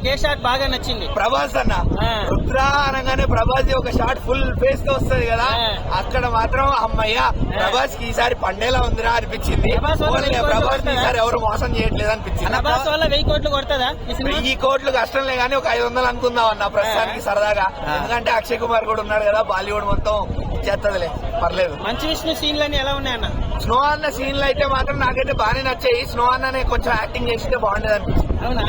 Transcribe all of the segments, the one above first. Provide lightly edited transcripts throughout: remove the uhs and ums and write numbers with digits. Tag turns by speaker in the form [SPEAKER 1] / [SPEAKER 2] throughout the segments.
[SPEAKER 1] ఏ shot బాగా నచ్చింది?
[SPEAKER 2] ప్రభాస్ అన్న రుద్ర అనగానే ప్రభాస్ ఒక షాట్ ఫుల్ ఫేస్ తో వస్తుంది కదా, అక్కడ మాత్రం అమ్మయ్య ప్రభాస్ కి ఈసారి పండేలా ఉందిరా అనిపించింది. ప్రభాస్ కి ఈసారి ఎవరు మోసం చేయట్లేదు అనిపించింది.
[SPEAKER 1] ప్రభాస్ వల్ల 1000 కోట్లు కొడతదా?
[SPEAKER 2] 1000 కోట్లు కష్టంలే గానీ ఒక 500 అనుకుందాం అన్న ప్రస్తుతానికి సరదాగా. ఎందుకంటే అక్షయ్ కుమార్ కూడా ఉన్నాడు కదా, బాలీవుడ్ మొత్తం చేస్తదిలే, పర్లేదు.
[SPEAKER 1] మంచి విష్ణు సీన్లన్నీ ఎలా ఉన్నాయన్న?
[SPEAKER 2] స్నో అన్న సీన్లు అయితే మాత్రం నాకైతే బాగానే నచ్చాయి. స్నో అన్ననే కొంచెం యాక్టింగ్ చేస్తే బాగుండేది అనిపించింది.
[SPEAKER 1] అవునా?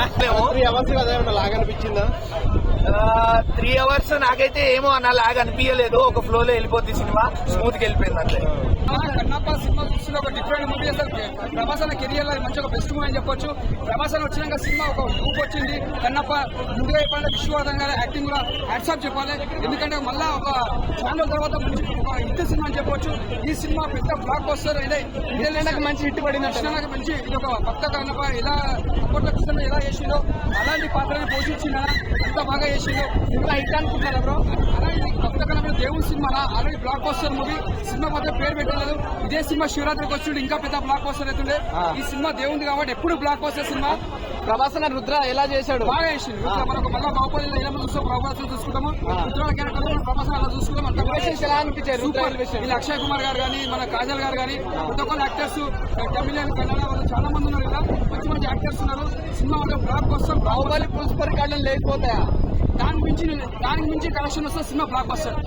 [SPEAKER 2] 3 అవర్స్ నాకైతే ఏమో అన్న లాగా అనిపించలేదు. ఒక ఫ్లో లో వెళ్ళిపోతుంది సినిమా, స్మూత్ గా వెళ్ళిపోయింది అట్లే.
[SPEAKER 3] కన్నప్ప సినిమా చూస్తున్న ఒక డిఫరెంట్ మూవీ. అసలు ప్రభాస్ అన్న కెరియర్ లో మంచి ఒక బెస్ట్ మూవీ అని చెప్పొచ్చు. ప్రభాస్ అన్న వచ్చినాక సినిమా ఒక ఊపు వచ్చింది. కన్నప్ప ముందుగా చెప్పాలంటే విశ్వనాథన్ గారి యాక్టింగ్ కూడా హ్యాట్స్ ఆఫ్ చెప్పాలి. ఎందుకంటే మళ్ళా ఒక ఛానల్ తర్వాత మంచి ఒక హిట్ సినిమా అని చెప్పొచ్చు. ఈ సినిమా పెద్ద బ్లాక్ బస్టర్. ఇదే మంచి హిట్ పడింది. కృష్ణకి మంచి ఇది ఒక భక్త కన్నప్ప ఎలా అప్పట్లో కృష్ణ ఎలా చేసిందో అలాంటి పాత్రని పోషించిందా, ఎంత బాగా చేసిందో ఇంకా హిట్ అనుకుంటున్నారా బ్రో? అలాగే భక్త కన్నప్ప దేవుడి సినిమా ఆల్రెడీ బ్లాక్ బస్టర్ మూవీ. సినిమా మాత్రం పేరు పెట్టలేదు. ఇదే సినిమా శివరాత్రికి వచ్చి ఇంకా పెద్ద బ్లాక్ బస్టర్ అవుతుండే. ఈ సినిమా దేవుంది కాబట్టి ఎప్పుడు బ్లాక్ బస్టర్ సినిమా.
[SPEAKER 4] ప్రభాస్ అన్న రుద్ర ఎలా చేశాడు?
[SPEAKER 3] బాగా చేసింది. మనకు మళ్ళీ బాహుబలి ఎలా చూస్తాం, ప్రభాస్ చూసుకుంటాము. రుద్ర క్యారెక్టర్ ప్రభాస్ అలా చూసుకుంటాం. అంత
[SPEAKER 4] ఎలా అనిపించారు
[SPEAKER 3] వీళ్ళు అక్షయ్ కుమార్ గారు కానీ, మన కాజల్ గారు కానీ, కొత్త కొత్త యాక్టర్స్ తమిళ కన్నడ వాళ్ళు చాలా మంది ఉన్నారు కదా, మంచి మంచి యాక్టర్స్ ఉన్నారు. సినిమా బ్లాక్ బస్టర్.
[SPEAKER 4] బాహుబలి పుష్ప రికార్డులు లేకపోతాయా?
[SPEAKER 3] దానికి మించి కలెక్షన్ వస్తే సినిమా బ్లాక్ బస్టర్.